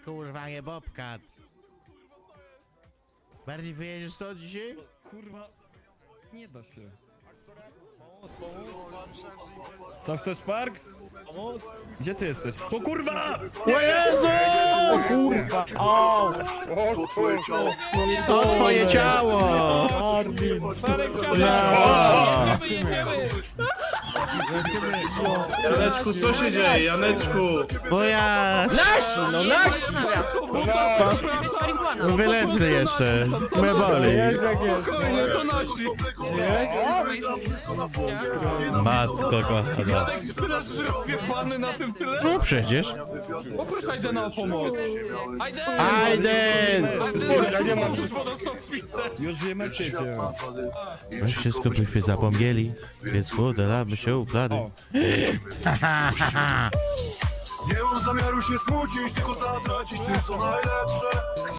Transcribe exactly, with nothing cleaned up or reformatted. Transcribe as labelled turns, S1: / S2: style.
S1: kurwa, nie Bobcat. Bardziej wyjedziesz co dzisiaj?
S2: Kurwa, nie da się. Co chcesz, Parks? Gdzie ty jesteś? O kurwa!
S1: O Jezu!
S2: O kurwa! O!
S3: To twoje ciało.
S1: To twoje ciało!
S2: Armin!
S4: Janeczku, co się dzieje, Janeczku?
S1: Bo ja...
S5: No nasz!
S1: Wylezny jeszcze. Me boli.
S2: Jest jak jest.
S4: To nasi.
S1: Matko kochana.
S4: Teraz rozjebany na tym tyle?
S1: No przecież.
S4: Poproszę Aidena o pomoc. Aiden!
S1: Aiden!
S4: Ja nie mam
S2: Już wiemy ciebie.
S1: My wszystko byśmy zapomnieli, więc modelamy się układy.
S2: O.
S3: Nie mam zamiaru się smucić, tylko zatracić tym co najlepsze.